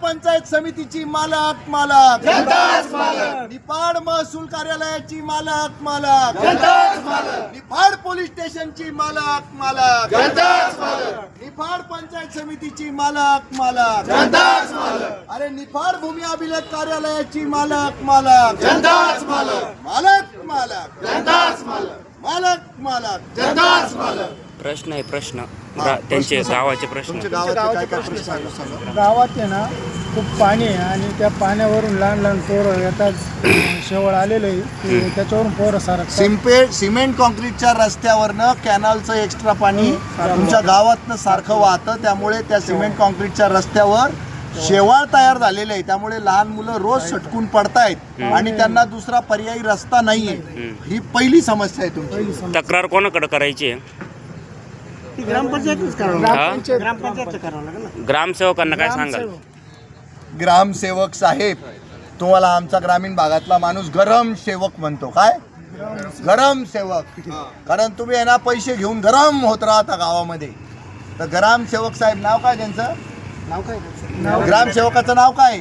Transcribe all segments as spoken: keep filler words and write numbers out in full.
पंचायत समितीची मालक मालक निफाड महसूल कार्यालयाची मालक मालक निफाड पोलीस स्टेशनची मालक मालक निफाड पंचायत समितीची मालक मालक अरे निफाड भूमी अभिलेख कार्यालयाची मालक मालक मालक मालक मालक मालक प्रश्न आहे प्रश्न गा- त्यांचे गावाचे प्रश्न तुमच्या गावाचे काय काय प्रश्न आहे सांगा. गावात आहे ना खूप पाणी आहे आणि त्या पाण्यावरून लहान लहान पोरं येतात शेवळ आलेलं आहे की त्याच्यावरून पोरं सारखं सिम्पेट सिमेंट कॉन्क्रीटच्या रस्त्यावरनं कॅनलचं एक्स्ट्रा पाणी तुमच्या गावातनं सारखं वाहतं, त्यामुळे त्या सिमेंट कॉन्क्रीटच्या रस्त्यावर शेवाळ तयार झालेले आहे. त्यामुळे लहान मुलं रोज सटकून पडतायत आणि त्यांना दुसरा पर्यायी रस्ता नाहीये. ही पहिली समस्या आहे तुमची. तक्रार कोणाकडे करायची आहे? ग्रामपंचायतच करावं हा? ग्रामपंचायत करावं लागेल ना. ग्रामसेवकांना काय सांगाल? ग्रामसेवक साहेब, तुम्हाला आमचा ग्रामीण भागातला माणूस गरम सेवक म्हणतो. काय गरम सेवक? कारण तुम्ही आहे ना पैसे घेऊन गरम होत राहता गावामध्ये. तर ग्रामसेवक साहेब नाव काय त्यांचं? नाव काय ग्रामसेवकाचं नाव काय?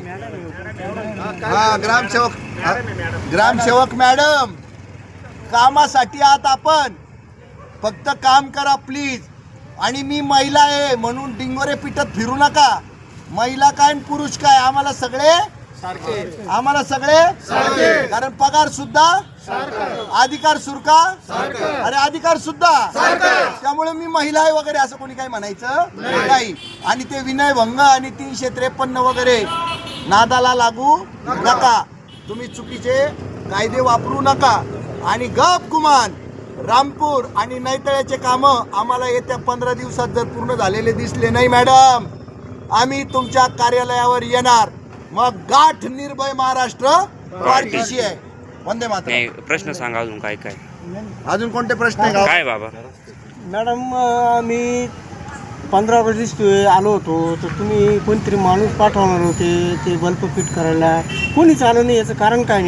हा ग्रामसेवक हा, ग्रामसेवक मॅडम, कामासाठी आहात आपण, फक्त काम करा प्लीज. आणि मी महिला आहे म्हणून डिंगोरे पिटत फिरू नका. महिला काय आणि पुरुष काय, आम्हाला सगळे आम्हाला सगळे कारण पगार सुद्धा अधिकार सुरका अरे अधिकार सुद्धा. त्यामुळे मी महिला आहे वगैरे असं कोणी काही म्हणायचं नाही. आणि ते विनयभंग आणि तीनशे त्रेपन्न वगैरे नादाला लागू नका. तुम्ही चुकीचे कायदे वापरू नका. आणि गप गुमान रामपूर आणि नैतळ्याचे कामं आम्हाला येत्या पंधरा दिवसात जर पूर्ण झालेले दिसले नाही मॅडम, आम्ही तुमच्या कार्यालयावर येणार. मग गाठ निर्भय महाराष्ट्र पार्टीशी आहे. वंदे मातरम. नाही प्रश्न सांगा अजून काय काय अजून कोणते प्रश्न आहे काय बाबा? मॅडम मी पंधरा ऑगस्ट दिवशी आलो होतो तर तुम्ही कोणतरी माणूस पाठवणार होते ते बल्ब फिट करायला, कोणीच आलं नाही. याचं कारण काय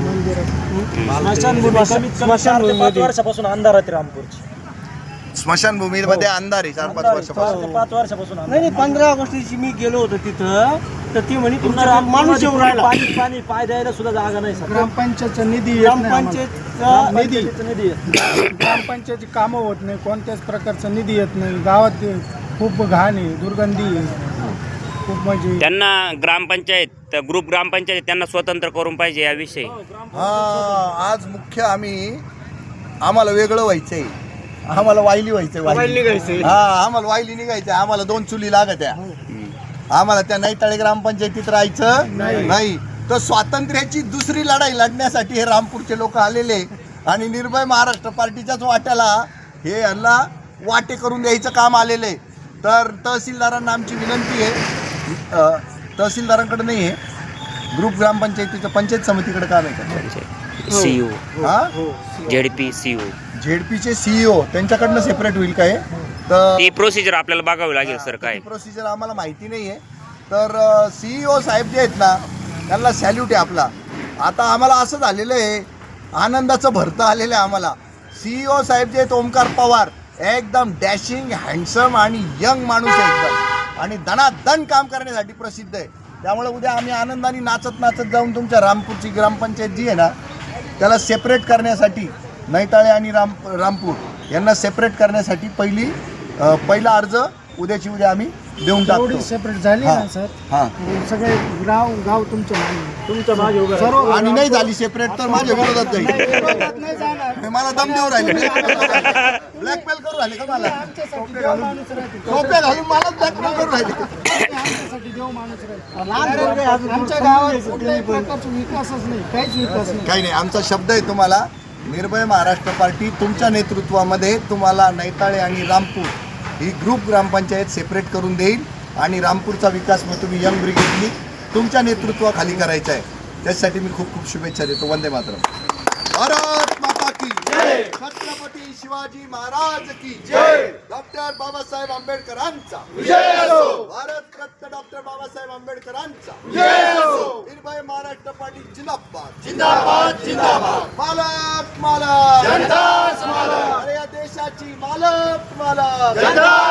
नेमकं? स्मशानभूमी वर्षापासून अंधार आहे रामपूरची. स्मशानभूमीमध्ये अंधार आहे चार पाच वर्षापासून. पाच वर्षापासून नाही नाही पंधरा ऑगस्ट दिवशी मी गेलो होतो तिथं तर ती म्हणे तुमचा माणूस येऊन राहिला. पाणी पाणी पाय द्यायला सुद्धा जागा नाही. ग्रामपंचायतचा निधी ग्रामपंचायतचा निधी निधी ग्रामपंचायतची कामं होत नाही, कोणत्याच प्रकारचा निधी येत नाही. गावात खूप घाण आहे, दुर्गंधी आहे खूप. म्हणजे त्यांना ग्रामपंचायत ग्रुप ग्रामपंचायत त्यांना स्वतंत्र करून पाहिजे याविषयी. हा आज मुख्य आम्ही आम्हाला वेगळं व्हायचंय, आम्हाला वायली व्हायचंय. वायली हा आम्हाला वायली निघायचंय. आम्हाला दोन चुली लागत आहे. आम्हाला त्या नैताळे ग्रामपंचायतीत राहायचं नाही. तर स्वातंत्र्याची दुसरी लढाई लढण्यासाठी हे रामपूरचे लोक आलेले आणि निर्भय महाराष्ट्र पार्टीच्याच वाट्याला हे यांना वाटे करून द्यायचं काम आलेले. तर तहसीलदारांना आमची विनंती आहे, तहसीलदारांकडे नाही आहे, ग्रुप ग्रामपंचायतीच्या पंचायत समितीकडे काम आहे. सीओ हा झेडपी सीओ झेडपीचे सीईओ त्यांच्याकडनं सेपरेट होईल काय? तर ती प्रोसिजर आपल्याला बघावी लागेल सर. काय प्रोसिजर आम्हाला माहिती नाही आहे. तर सीईओ साहेब जे आहेत ना त्यांना सॅल्यूट आहे आपला. आता आम्हाला असं झालेलं आहे, आनंदाचं भरतं आलेलं आहे आम्हाला. सीईओ साहेब जे आहेत ओमकार पवार एकदम डॅशिंग हँडसम आणि यंग माणूस आहे एकदम, आणि दणादण काम करण्यासाठी प्रसिद्ध आहे. त्यामुळे उद्या आम्ही आनंदाने नाचत नाचत जाऊन तुमच्या रामपूरची ग्रामपंचायत जी आहे ना त्याला सेपरेट करण्यासाठी, नैताळे आणि राम रामपूर यांना सेपरेट करण्यासाठी पहिली पहिला अर्ज उद्याची उद्या आम्ही देऊन टाकतो. सेपरेट झाली ना सर. हां सगळे गाव गाव तुमच्या तुमच्या मागे उभं सर्व आणि नाही झाली सेपरेट तर माझ्या विरोधात जाईल. नाही जाणार. हे मला दम देऊ राहिले, ब्लॅकमेल करू राहिले का मला? आमच्यासाठी देव माणूस राहते. टोप्या घालून मला ब्लॅकमेल करू राहिले. आमच्यासाठी देव माणूस राहते. आमच्या गावात कुठल्याही प्रकारचा विकासच नाही, काहीच विकास नाही. काही नाही, आमचा शब्द आहे तुम्हाला. निर्भय महाराष्ट्र पार्टी तुमच्या नेतृत्वामध्ये तुम्हाला नैताळे आणि रामपूर ही ग्रुप ग्रामपंचायत सेपरेट करून देईल आणि रामपूरचा विकास मग तुम्ही यंग ब्रिगेडनी तुमच्या नेतृत्वाखाली करायचा आहे. त्यासाठी मी खूप खूप शुभेच्छा देतो. वंदे मातरम. भारत माता की जय. छत्रपती शिवाजी महाराज की जय. डॉक्टर बाबासाहेब आंबेडकरांचा विजय असो. भारत रत्न डॉक्टर बाबासाहेब आंबेडकरांचा विजय असो. निर्भय महाराष्ट्र पार्टी जिंदाबाद जिंदाबाद जिंदाबाद. मालक मालक जनता मालक. अरे या देशाची मालक मालक जनता